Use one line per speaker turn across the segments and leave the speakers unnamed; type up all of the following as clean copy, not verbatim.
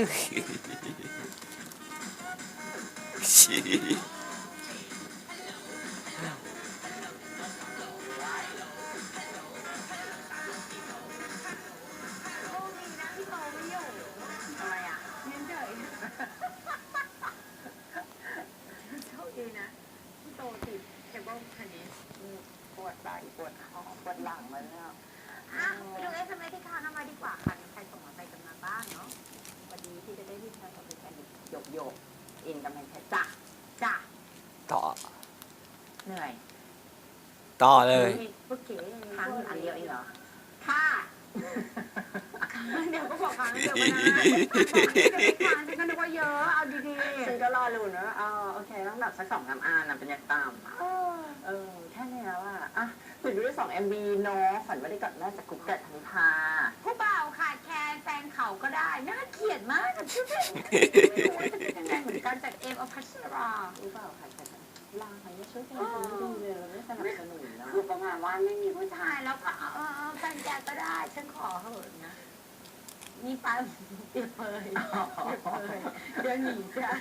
ปวดไหล่ปวดคอปวดหลังมาแล้ว
ไปดูSMSที่ค้างมาดีกว่าค่ะมีใครส่งมาไปกันมาบ้างเนาะวันนี้ที่จะได้รีบทำกับเป็นแฟนโยกอินกำลังจ้ะ
ต่อ
เหนื่อย
ต่อเลย
เมื่อกี้ค้างอันเดียวเองเหรอค่ะเดี๋ยวก็บอกค้างเดียวมานะค้างฉันก็นึกว่าเยอะเอาดีๆ
ฉันก็รอลุ้นว่าโอเคต้องแบบสัก2-3 อันนะเป็นยังตามแค่นี้แล้วอ่ะติดด้วย2 MV เนาะฝันว่าได้กอดแม่จากกุ๊กเกิดธันพา
ผู้บ่าวขาดแคลนแฟนเขาก็ได้น่าเกลียดมากกับชื่อเพลงยังไงเหมือนกันจากเอมอภัสรา
ผู้บ่าวขาดแคลนลาไม่ช่วยเพลงคนไม่ดีเลยไม่สนับสนุนเนาะ
คือประมาณว่าไม่มีผู้ชายแล้วก็แฟนแกก็ได้ฉันขอเหอะนะนี่ไปเปรียบเปยเดี๋ยวหนีจ้ะ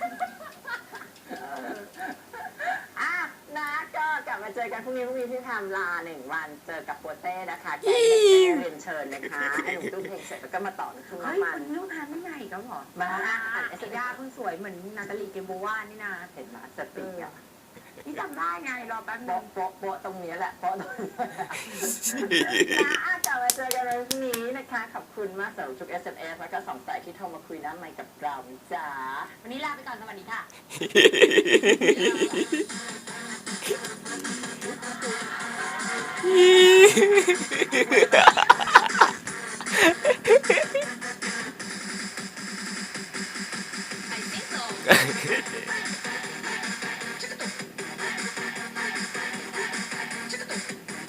นะก็กลับมาเจอกันพรุ่งนี้ที่ทำลา1 วันเจอกับโปเต้นะคะแกเรียนเชิญนะคะให้หนุ่มตู้เพลงเสร็จแล้วก็มาต่อทุ่งน้ำมัน
ลูกค้าไม่ใหญ่ก็หรอ
มา
อ่านเอสด้าเพิ่งสวยเหมือนนาตาลีเกมโบวานี่นะ
เห็นไหมสติอ่ะ
นี่จำได้ไงรอแป๊บนึง
โป๊ะตรงนี้แหละโป๊ะตรงนี้กลับมาเจอกันวันพรุ่งนี้นะคะขอบคุณมากสำหรับทุก SMS แล้วก็2 สายที่โทรมาคุยน้ำใหม่กับเราจ้า
วันนี้ลาไปก่อนสวัสดีค่ะ